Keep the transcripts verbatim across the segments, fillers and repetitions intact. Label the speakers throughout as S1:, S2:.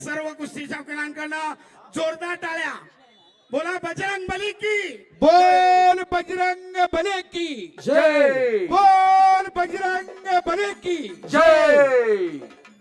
S1: सर्व कुस्ती शौकीनांकडनं जोरदार टाळ्या. बोला बजरंग बली की
S2: बोल बजरंग बली की
S3: जय.
S2: बोल बजरंग बली की
S3: जय.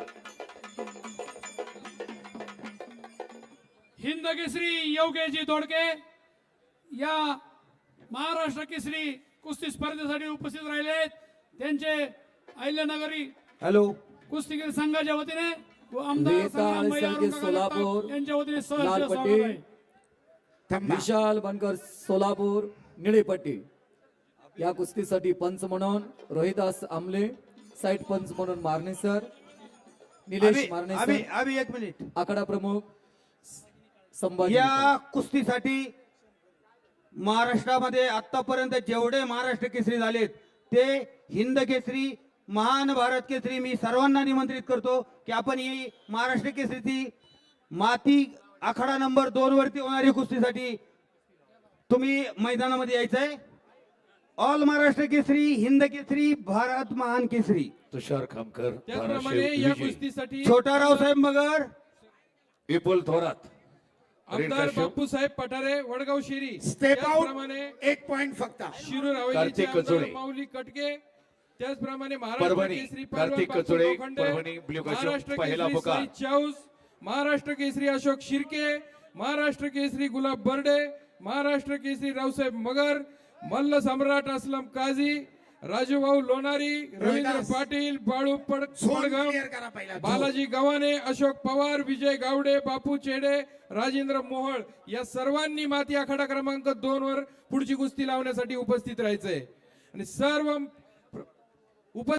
S4: हिंद केसरी योगेशजी दोडके या महाराष्ट्र केसरी कुस्ती स्पर्धेसाठी उपस्थित राहिले. त्यांचे अहिल्यानगरी
S3: हॅलो.
S4: कुस्तीगीर संघाच्या वतीने व आमदार
S5: वेता
S4: संग्राम
S5: आणि
S4: भैया
S5: संकेत
S4: औरंगाबाद
S5: सोलापूर,
S4: यांच्या वतीने सहर्ष
S5: लाल
S4: स्वागत
S5: पट्टी.
S4: आहे.
S1: थांबा.
S5: विशाल बनकर सोलापूर निळेपट्टी. या कुस्तीसाठी पंच म्हणून रोहिदास आमले, साईड पंच म्हणून मारणे सर, निलेश
S6: अभि
S5: मारणे
S6: अभि
S5: सर,
S6: अभि एक मिनिट.
S5: आखाडा प्रमुख संभाजी
S6: या
S5: मित्र.
S6: कुस्तीसाठी महाराष्ट्रामध्ये आतापर्यंत जेवढे महाराष्ट्र केसरी झालेत ते हिंद केसरी, महान भारत केसरी, मी सर्वांना निमंत्रित करतो की आपण ही महाराष्ट्र केसरीची माती आखाडा नंबर दोन वरती होणारी कुस्तीसाठी तुम्ही मैदानामध्ये यायचंय. ऑल महाराष्ट्र केसरी, हिंद केसरी, भारत महान केसरी.
S2: तुषार खामकर,
S4: त्याचप्रमाणे या कुस्तीसाठी
S6: छोटा रावसाहेब मगर,
S2: विपुल थोरात,
S4: आमदार बापूसाहेब पठारे वडगाव शिरी.
S1: स्टेप
S4: त्याचप्रमाणे
S1: आउट एक पॉइंट फक्त.
S4: शिरूर हवेलीचे
S2: कार्तिक
S4: आमदार
S2: कचोडे.
S4: माऊली कटके. त्याचप्रमाणे महाराष्ट्र
S2: परभणी,
S4: केसरी पहलवान
S2: कार्तिक
S4: बापू
S2: कचोडे,
S4: लोखंडे.
S2: परभणी, ब्ल्यू काश्यप,
S4: महाराष्ट्र
S2: पहिला
S4: केसरी
S2: पुकार.
S4: साई चाऊस, महाराष्ट्र केसरी अशोक शिर्के, महाराष्ट्र केसरी गुलाब बर्डे, महाराष्ट्र केसरी रावसाहेब मगर, मल्ल सम्राट असलम काझी, राजूभाऊ लोणारी, रवींद्र
S1: रोहिदास.
S4: पाटील, बाळू पड
S1: झोन
S4: पडघम,
S1: क्लिअर करा पहिला. झोन.
S4: बालाजी गव्हाणे, अशोक पवार, विजय गावडे, बापू चेडे, राजेंद्र मोहळ या सर्वांनी माती आखाडा क्रमांक दोन वर पुढची कुस्ती लावण्यासाठी उपस्थित राहायचंय. आणि सर्व उप